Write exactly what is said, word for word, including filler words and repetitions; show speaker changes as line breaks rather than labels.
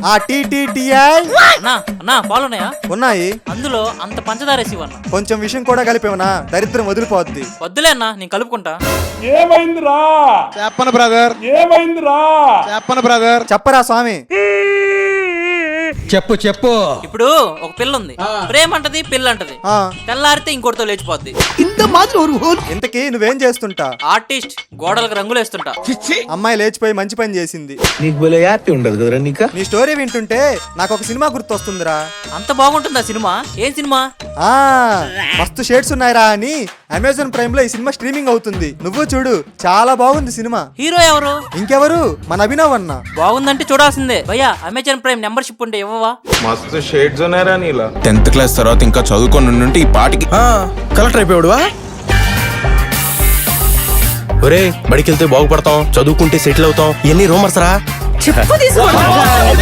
ఆ టీటీటీఐ
అన్నా అన్నా పాలున్నాయా?
ఉన్నాయి.
అందులో అంత పంచదార వేసి ఇవ్వన్నా.
కొంచెం విషయం కూడా కలిపేవనా దరిద్రం వదిలిపోద్ది.
వద్దులే అన్నా, నేను కలుపుకుంటా.
ఏమైందిరా
చెప్పను బ్రదర్,
ఏమైందిరా
చెప్పను బ్రదర్.
చెప్పరా స్వామి.
చెప్పు చెప్పు.
ఇప్పుడు ఒక పిల్ల ఉంది, ప్రేమ అంటది పిల్ల అంటది,
ఆ
తెల్లారితే ఇంకోటితో లేచిపోద్ది.
ఇంతకీ నువ్వేం చేస్తుంటా?
ఆర్టిస్ట్, గోడలకు రంగులు వేస్తుంటా.
అమ్మాయి లేచిపోయి మంచి పని చేసింది.
నీకు భలే హ్యాపీ ఉండదు కదరా నీకు.
నీ స్టోరీ వింటుంటే నాకు ఒక సినిమా గుర్తొస్తుందిరా.
అంత బాగుంటుందా సినిమా? ఏం సినిమా?
ఆ మస్తు షేడ్స్ ఉన్నాయిరా అని అమెజాన్ ప్రైమ్ లో ఈ సినిమా స్ట్రీమింగ్ అవుతుంది. నువ్వు చూడు, చాలా బాగుంది సినిమా.
హీరో ఎవరు?
ఇంకెవరు, మన అభినవ్ అన్న.
బాగుందంటే చూడాల్సిందే. భయ్యా అమెజాన్ ప్రైమ్ మెంబర్షిప్ ఉంటే ఇవ్వవా?
మస్తు షేడ్స్ ఉన్నారా నీలా.
టెన్త్ క్లాస్ తర్వాత ఇంకా చదువుకొని ఉంటే ఈ పాటికి
కలెక్టర్ అయిపోయాడువా? ఒరే బడికి వెళ్తే బాగుపడతాం, చదువుకుంటే సెటిల్ అవుతాం, ఎన్ని రూమర్స్ రా.